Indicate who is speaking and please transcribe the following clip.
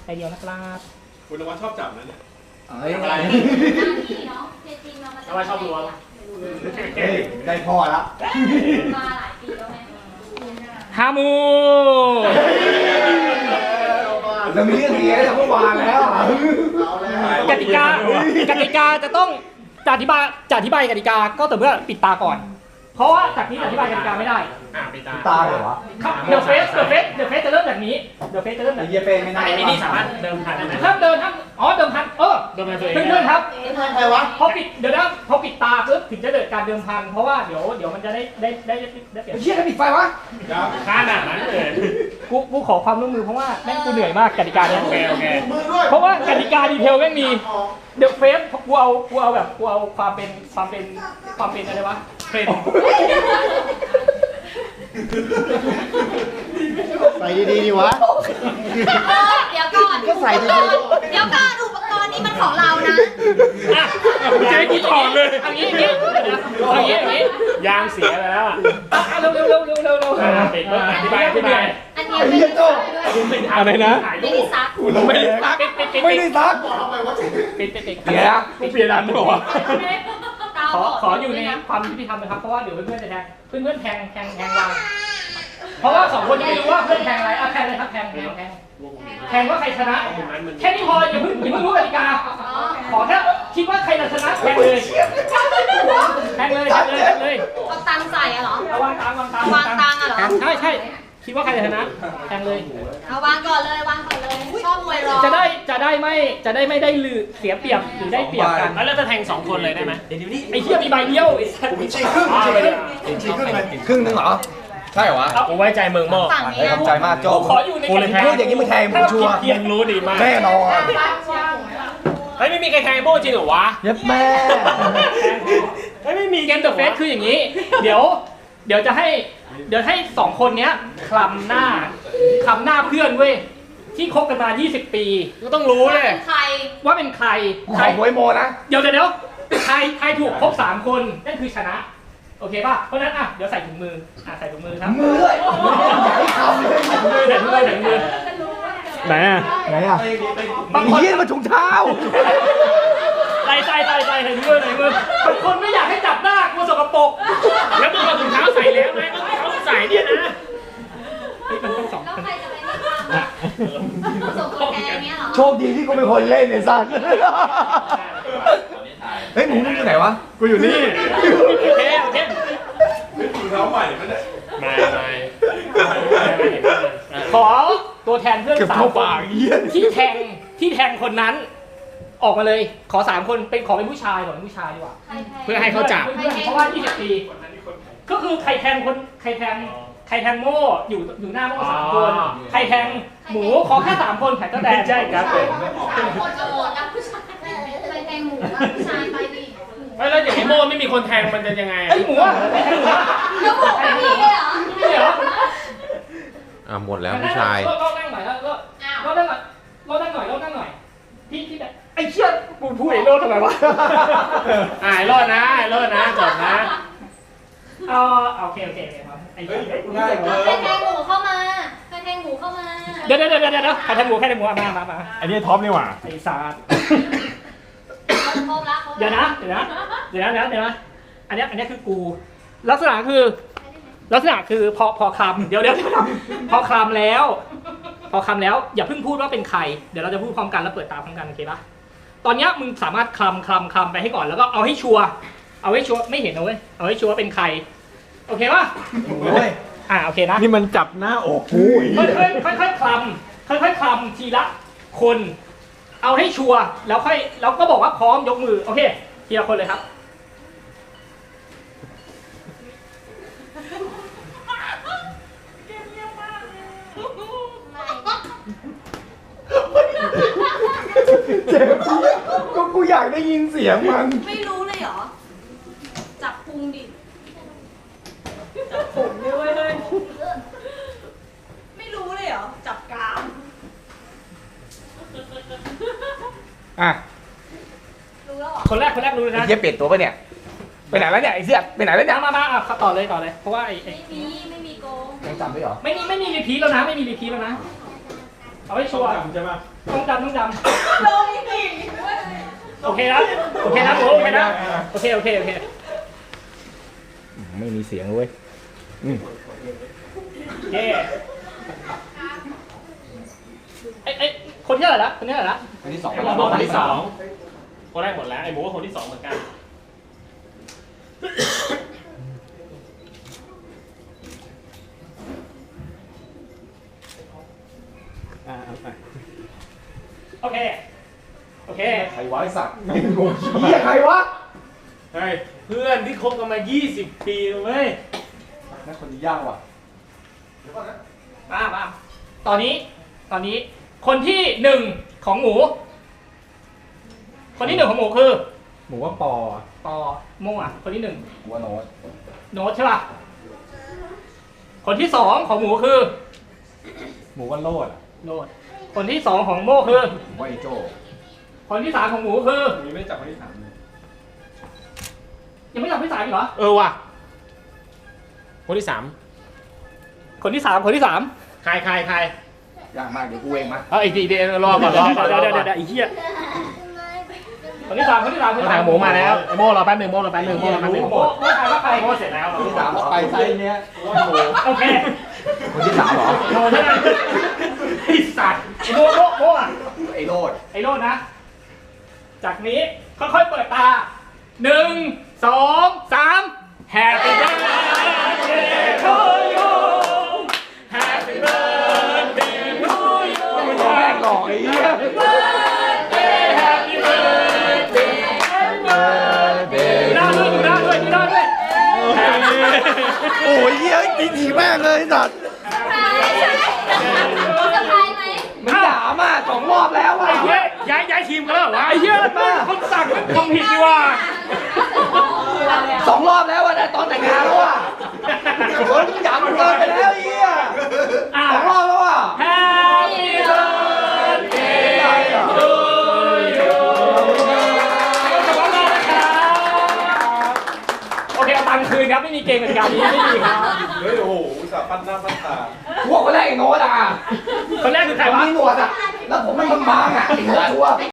Speaker 1: ใบเดียวนะครับ
Speaker 2: คุณนวัดชอบจับนะเนี่ย
Speaker 3: เฮ้ย
Speaker 2: อะไร
Speaker 4: นี่เนาะจริงๆเรามา
Speaker 2: ชอบล้วง
Speaker 3: ได้พ่อแล้ว
Speaker 4: มาหลายปีแล้วไง
Speaker 1: ฮามู
Speaker 3: เรามีเรื่องเสียจากเมื่อวานแล้ว
Speaker 1: กติกาจะต้องจะอธิบายกติกาก็แต่เมื่อปิดตาก่อน เพราะว่าจากนี้จะอธิบายกติกาไม่ได้
Speaker 2: ไปตา
Speaker 3: ตาเหรอวะ
Speaker 1: ครับเดอะเฟสจะเริ่มจากนี้เดอะเฟสจะเริ่มจาก
Speaker 3: ไอ้เหี้ยเป้ไม่น่า
Speaker 2: ไอ้นี่สามารถเดิมพันได้ไหม
Speaker 1: ห้ามเดินห้ามเดิมพัน
Speaker 2: เดิมพันตัวเอง
Speaker 1: เพื่อนๆครับ
Speaker 3: ใครวะ
Speaker 1: พอปิดตาปุ๊บถึงจะเกิดการเดิมพันเพราะว่าเดี๋ยวมันจะได้เปลี่ยน
Speaker 3: เหี้ยกันปิดไฟวะ
Speaker 2: ขนาดนั้นเลย
Speaker 1: กูขอความร่วมมือเพราะว่าแม่งกูเหนื่อยมากกติกาเนี้ย
Speaker 2: โอเค
Speaker 1: เพราะว่ากติกาดีเทลแม่งมีเดอะเฟสกูเอาความเป็นอะไรวะเป็น
Speaker 3: ใส่ดีๆดีวะ
Speaker 4: เดี๋ยวก่อน
Speaker 3: ก็ใส่ดี
Speaker 4: เดี๋ยวก่อนอุปกรณ์นี้มันของเรานะ
Speaker 1: อ่ะ
Speaker 2: เจ๊กูถอดเลย
Speaker 1: อย่างนี้
Speaker 2: ยางเสียไปแล้วอ่ะ
Speaker 1: เร็ว
Speaker 2: ปิดเพื่ออธิบาย
Speaker 4: อันนี้ไม่ได้ซักด้วย
Speaker 2: อะไรนะ
Speaker 4: ไม่ได้ซัก
Speaker 3: ไม่ได้ซักไม่ได้ซัก
Speaker 1: ปิด
Speaker 3: เดี๋ยวนะ
Speaker 2: กูเปลี่ยนอันด้วยวะ
Speaker 1: ขออยู่ในความยุติธรรมนะครับเพราะว่าเดี๋ยวเพื่อนๆจะแทงเพื่อนๆแทงวางเพราะว่าสองคนยังไม่รู้ว่าเพื่อนแทงอะไรแทงเลยครับแทงว่าใครชนะแค่นี้พออย่าเพิ่งรู้กติกาขอแค่คิดว่าใครจะชนะแทงเลย
Speaker 4: เอาตังค์ใส่อะเหรอ
Speaker 1: วางตัง
Speaker 4: วางตังค์อะเหรอ
Speaker 1: ใช่คิดว่าใครจะชนะแทงเลย
Speaker 4: เอาวางก่อนเลย ชอบมวยรอ
Speaker 1: จะได้ไม่ได้ลือเสียเปรียบหรือได้เปรียบกัน
Speaker 2: แล้วจะแทง2คนเลยได้ไหม
Speaker 1: ไอ้เหี้ยมีใบเดียวไอ้สัส
Speaker 3: ครึ่งนึงเหรอใช่เหรอวะ
Speaker 2: กูไว้ใจมึงโม่
Speaker 4: ฝั่ง
Speaker 3: ไอ้
Speaker 4: นี้
Speaker 3: ขอบใจมากโจ้
Speaker 1: กูขออยู่ในกติกา
Speaker 3: พูดอย่างนี้มึงแทงผมชัวร์
Speaker 2: มึงรู้ดีมาก
Speaker 3: แน่นอน
Speaker 2: เฮ้ยไม่มีใครแทงโม่จริงเหรอวะ
Speaker 3: เย็บแม่
Speaker 1: ไม่มีเกมเดอะเฟสคืออย่างนี้ เดี๋ยวจะให้สองคนเนี้ยคลำหน้าเพื่อนเว้ยที่คบกันมา20 ปี
Speaker 2: ก็ต้องรู้เลย
Speaker 4: เป็นใคร
Speaker 1: ว่าเป็นใคร
Speaker 3: ขอหวยโมนะ
Speaker 1: เดี๋ยวใครถูกครบ3 คนนั่นคือชนะโอเคป่ะเพราะฉะนั้นเดี๋ยวใส่ถุงมือใส่ถุงมือครับ
Speaker 3: มือด้วยใหญ่ทำเลย
Speaker 1: ใส่ถุงมือ
Speaker 2: ไหนอ่ะ
Speaker 3: ไหนอ่ะบางทีมาถุงเท้า
Speaker 1: ใส่ถุงมือบางคนไม่อยากให้จับหน้ากลัวสกปรก
Speaker 2: แล้วมึงเอาถุงเท้าใส่แล้วไหมเขาใส่เนี่ยนะ
Speaker 1: มันต้องสอง
Speaker 4: แล้วใครจะไปนี่คะส่งตัวแทนเนี้ยเหรอ
Speaker 3: โชคดีที่กูเป็นคนเล่นไอ้สัสเฮ้ยมึงอยู่ไหนวะ
Speaker 2: กูอยู่นี่
Speaker 1: โอเค
Speaker 2: ถุงเท้าใหม่ไม่ได้ไม่
Speaker 1: ขอตัวแทนเพื่อน3 คนที่แทงคนนั้น ออกมาเลยขอ3 คนขอเป็นผู้ชายดีกว่า
Speaker 2: เพื่อให้เขาจับ
Speaker 1: เพราะว่า20 ปีก็คือใครแทงโม่อยู่หน้าโม่3 คนใครแทงหมูขอแค่3 คนแข่งก็แดง
Speaker 2: ใช่ครับผม
Speaker 4: 3 คนจะโหวตนะผู้ชายไปแทงหมูนะผู้ชายไปดิ
Speaker 2: แล้วอย่างไอ้โม่ไม่มีคนแทงมันจะยังไง
Speaker 1: ไอ้หมูอะไอ้หมูอะ
Speaker 4: แล้วหมูไม่มีเลยเหรอ
Speaker 1: นี่เหรอ
Speaker 5: หมดแล้วผู้ชาย
Speaker 1: เรานั่งหน่อยเรานั่งหน่อยพี่แบบไอ้เชี่ยกูพูดไอ้โลดทำไมวะ
Speaker 2: ไอ้รอดนะจบนะ
Speaker 1: โอเคครับไอ้เชี่ย
Speaker 3: ง่ายเกิน
Speaker 4: ใครแทงหมูเข้ามา
Speaker 1: เดี๋ยวใครแทงหมูมา
Speaker 2: อันนี้ท็อปนี่หว่า
Speaker 1: ไอ้ศาสตร์
Speaker 4: ครบละ
Speaker 1: เดี๋ยวนะอันนี้คือกูลักษณะคือพอคำเดี๋ยวพอคำแล้วอย่าเพิ่งพูดว่าเป็นใครเดี๋ยวเราจะพูดพร้อมกันแล้วเปิดตาพร้อมกันโอเคปะตอนนี้มึงสามารถคลำไปให้ก่อนแล้วก็เอาให้ชัวร์ไม่เห็นนะเว้ยเอาให้ชัวร์เป็นใครโอเคปะโอเคนะ
Speaker 2: นี่มันจับหน้าอกกู
Speaker 1: ค่อยคลำทีละคนเอาให้ชัวร์แล้วก็บอกว่าพร้อมยกมือโอเคทีละคนเลยครับ
Speaker 3: เจ็บก็กูอยากได้ยินเสียงมัน
Speaker 4: ไม่รู้เลยเหรอ จับพุงดิ จับผมด้วยเลยไม่รู้เลยเหรอ จับกราม รู้แล้วเหรอ
Speaker 1: คนแรกรู้เลยนะ
Speaker 3: ไอ้เหี้ยเปลี่ยนตัวปะเนี่ยไปไหนแล้วเนี่ยไอ้เสื้อไปไหนแล้วเนี่ย
Speaker 1: มาต่อเลยเพราะว่า
Speaker 4: ไม่มีโกง
Speaker 3: ยังจำได้เหรอ
Speaker 1: ไม่มีรีพีทแล้วนะโเอาให้ชัวร์
Speaker 3: ใช่ปะ
Speaker 1: ต้องจำ
Speaker 4: ลงสิ
Speaker 1: โอเคนะโอเคนะโอเคนะโอเคไม่มีเสียงเว้ยโอเคไอ้คนที่เท่าไหร่ละคนที่เท่าไหร่ละ
Speaker 3: อันที่สอง
Speaker 2: คนที่สองคนแรกหมดแล้วไอ้หมูก็คนที่สองเหมือนกัน
Speaker 1: เอาไปโอเค
Speaker 3: ใครวะไอ้สัตว์ไม่งงเหี้ยใครวะ
Speaker 2: เฮ้ยเพื่อนที่คบกันมา 20 ปีเลยเว้ย
Speaker 3: นั่นคนนี้ยากว่ะ
Speaker 1: มาตอนนี้คนที่หนึ่งของหมู คนที่หนึ่งของหมูคือ
Speaker 3: หมูว่าปอ
Speaker 1: ปอโมอ่ะคนที่หนึ่ง
Speaker 3: หมูว่าโน้ต
Speaker 1: โน้ตใช่ป่ะคนที่สองของหมูคือ
Speaker 3: หมูว่าโลด
Speaker 1: โน้ตคนที่สองของโมคือ
Speaker 3: หมูว่าไอโจ้
Speaker 1: คนที่สามของหมูคือ
Speaker 3: ยังไม่จับคนที่สามเลย
Speaker 1: ยังไม่จับที่สามอีกเหรอ
Speaker 2: ว่ะคนที่สาม
Speaker 1: คนที่สาม
Speaker 2: ใคร
Speaker 3: ยากมากเดี๋ยวกูเองมา
Speaker 2: เอาอีกทีเดียวรอก่อน
Speaker 1: เดี๋ยวไอ้เหี้ยคนที่สาม
Speaker 2: ทางหมูมาแล้วไอ้โม่รอแป๊บหนึ่งโม่รอแป๊บหนึ่ง
Speaker 1: โมถ่ายว่าใคร
Speaker 2: โม่เสร็จแล้ว
Speaker 3: คนที่สามไปไซส์เนี้ยหมูว่าหมู
Speaker 1: โอเค
Speaker 3: คนที่สามเหรอ
Speaker 1: โมใช่ไหมไอ้สัตว์โมอ่ะ
Speaker 3: ไอโลด
Speaker 1: ไอ้โลดนะ จากนี้ค่อยๆเปิดตา1 2 3 Happy birthday to you Happy birthday to you
Speaker 3: แม่งหล่อไอ้เหี้ย
Speaker 1: Happy birthday Happy birthday Happy birthday ดูหน้าด้วย
Speaker 3: โอ้ยเหี้ยตีถีแม่งเลยสัตว์
Speaker 4: สะพายไหม
Speaker 3: มันด่ามา2 รอบแล้วอ่ะ
Speaker 2: ไอ้เหี้ยย้ายทีมกันแล้วเหรอวะ
Speaker 1: ไอ้เหี้ยคนสั่งมันทำผิดดีว่า
Speaker 3: 2 รอบแล้วอ่ะแต่ตอนแต่งงานแล้วอ่ะคนหยาบเกินไปแล้วไอ้เหี้ย2 รอบแล้วอ่ะ
Speaker 1: Happy birthday to you โอเคเอาตังค์คืนครับไม่มีเกมกติกานี้ไม่มีครับ
Speaker 3: เฮ้ยโอ้โหสับปั้นหน้าปั้นตาพวกคนแรกไอ้โน้ตอ่ะ
Speaker 1: คนแรกคือใคร
Speaker 3: ผม
Speaker 1: วะ
Speaker 3: มีหนวดอ่ะ แล้วผมมันบางๆอ่ะไอ้โน้ตชัวร์